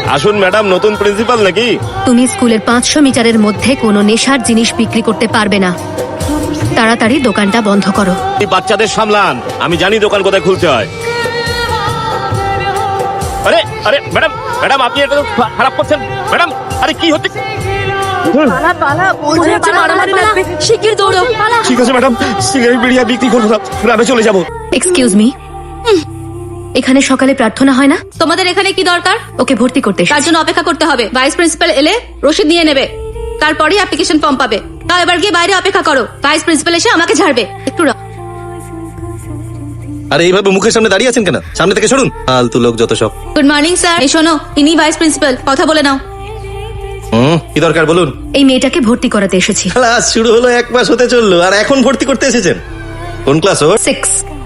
আসুন ম্যাডাম, নতুন প্রিন্সিপাল নাকি? তুমি স্কুলের 500 মিটারের মধ্যে কোনো নেশার জিনিস বিক্রি করতে পারবে না। তাড়াতাড়ি দোকানটা বন্ধ করো। এই বাচ্চাদের সামলান, আমি জানি দোকান কোথায় খুলতে হয়। আরে আরে ম্যাডাম, ম্যাডাম আপনি এটা তো খারাপ করছেন ম্যাডাম। আরে কি হচ্ছে? শিগগির দৌড়ো। ঠিক আছে ম্যাডাম, সিগারেট বিড়ি আর বিক্রি করবো না, গ্রামে চলে যাবো। এক্সকিউজ মি, এখানে সকালে প্রার্থনা হয় না? তোমাদের এখানে কি দরকার? ওকে ভর্তি করতে তার জন্য অপেক্ষা করতে হবে। ভাইস প্রিন্সিপাল এলে রসিদ নিয়ে নেবে, তারপরে অ্যাপ্লিকেশন ফর্ম পাবে। তাও এবার গিয়ে বাইরে অপেক্ষা করো, ভাইস প্রিন্সিপাল এসে আমাকে ঝাড়বে। একটু আরে এইভাবে মুখের সামনে দাঁড়িয়ে আছেন কেন? সামনে থেকে সরুন, ফালতু লোক যত সব। Good morning sir. এই শোনো, ইনি ভাইস প্রিন্সিপাল, কথা বলে নাও। কি দরকার বলুন? এই মেয়েটাকে ভর্তি করাতে এসেছি। ক্লাস শুরু হলো 1 মাস হতে চললো, আর এখন ভর্তি করতে এসেছেন? কোন ক্লাস ওর? 6।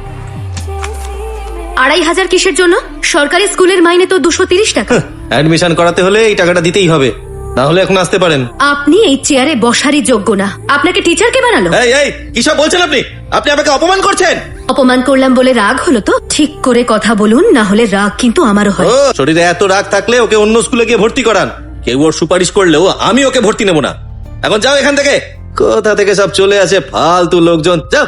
2500 কিসের জন্য? সরকারি স্কুলের মাইনে তো 230 টাকা। অ্যাডমিশন করাতে হলে এই টাকাটা দিতেই হবে, না হলে এখন আসতে পারেন। আপনি এই চেয়ারে বসারই যোগ্য না। আপনাকে টিচার কে বানালো? এই এই কি সব বলছেন আপনি? আপনি আমাকে অপমান করছেন। অপমান করলাম বলে রাগ হলো তো? ঠিক করে কথা বলুন, না হলে রাগ কিন্তু আমারও হয়। ও, শরীরে এত রাগ থাকলে ওকে অন্য স্কুলে গিয়ে ভর্তি করান। কেউ ওর সুপারিশ করলেও আমি ওকে ভর্তি নেব না। এখন যাও এখান থেকে। কোথা থেকে সব চলে আসে ফালতু লোকজন, যাও।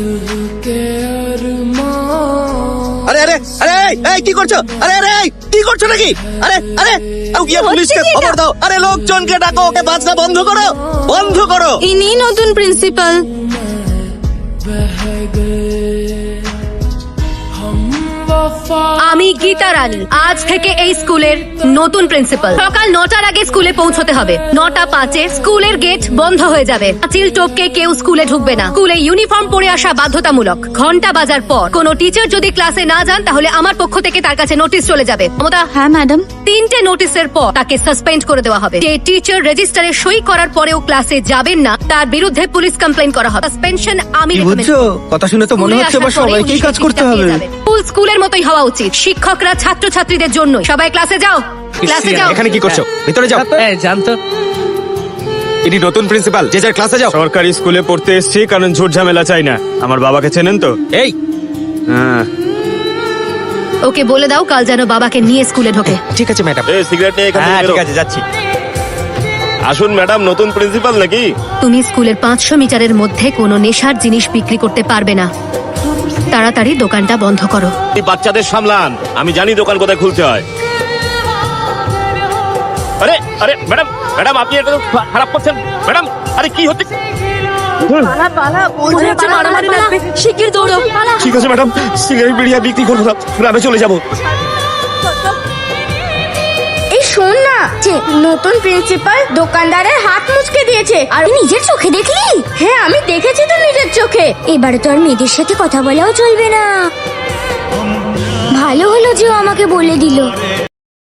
আরে আরে আরে এই কি করছো? আরে আরে কি করছো নাকি? আরে আরে গিয়ে পুলিশকে খবর দাও। আরে লোকজনকে ডাকো, ওকে বাজনা বন্ধ করো, বন্ধ করো। ইনি নতুন প্রিন্সিপাল। আমি গীতা রানী, আজ থেকে এই স্কুলের নতুন প্রিন্সিপাল। সকাল 9টার আগে স্কুলে পৌঁছতে হবে। 9:05 স্কুলের গেট বন্ধ হয়ে যাবে। চিল টপকে কেউ স্কুলে ঢুকবে না। স্কুলে ইউনিফর্ম পরে আসা বাধ্যতামূলক। ঘন্টা বাজার পর কোনো টিচার যদি ক্লাসে না যান, তাহলে আমার পক্ষ থেকে তার কাছে নোটিশ চলে যাবে। মমতা? হ্যাঁ ম্যাডাম। 3টে নোটিশের পর তাকে সাসপেন্ড করে দেওয়া হবে। যে টিচার রেজিস্টারে সই করার পরেও ক্লাসে যাবেন না, তার বিরুদ্ধে পুলিশ কমপ্লেইন করা হবে। সাসপেনশন আমি বুঝছো? কথা শুনে তো মনে হচ্ছে এবার সবাইকেই কাজ করতে হবে। স্কুলের মতোই হওয়া উচিত। শিক্ষকরা ছাত্রছাত্রীদের জন্য। সবাই ক্লাসে যাও, ক্লাসে যাও। এখানে কি করছো? ভিতরে যাও। জানতো ইনি নতুন প্রিন্সিপাল, যে যার ক্লাসে যাও। সরকারি স্কুলে পড়তে এসেছি, কারণ ঝুট ঝামেলা চাই না। আমার বাবাকে চেনেন তো? এই হ্যাঁ। ওকে বলে দাও কাল যেন বাবাকে নিয়ে স্কুলে ঢোকে। ঠিক আছে ম্যাডাম। এই সিগারেট নিয়ে এখান থেকে হ্যাঁ বেরো। ঠিক আছে, যাচ্ছি। আসুন ম্যাডাম, নতুন প্রিন্সিপাল নাকি? তুমি স্কুলের 500 মিটারের মধ্যে কোনো নেশার জিনিস বিক্রি করতে পারবে না। তাড়াতাড়ি দোকানটা বন্ধ করো। এই বাচ্চাদের সামলান, আমি জানি দোকান কোথায় খুলতে হয়। আরে আরে ম্যাডাম, ম্যাডাম আপনি এটা তো খারাপ করছেন ম্যাডাম। আরে কি হচ্ছে? শিগগির দৌড়ো। ঠিক আছে ম্যাডাম, সিগারেট বিড়ি আর বিক্রি করবো না, গ্রামে চলে যাবো। এই শোন না, যে নতুন প্রিন্সিপাল দোকানদারের হাত মুচকে দিয়েছে। আর নিজের চোখে দেখলি? হ্যাঁ, আমি দেখেছি তো নিজের চোখে। এবারে তো আর মেয়েদের সাথে কথা বলাও চলবে না। ভালো হলো যে ও আমাকে বলে দিল।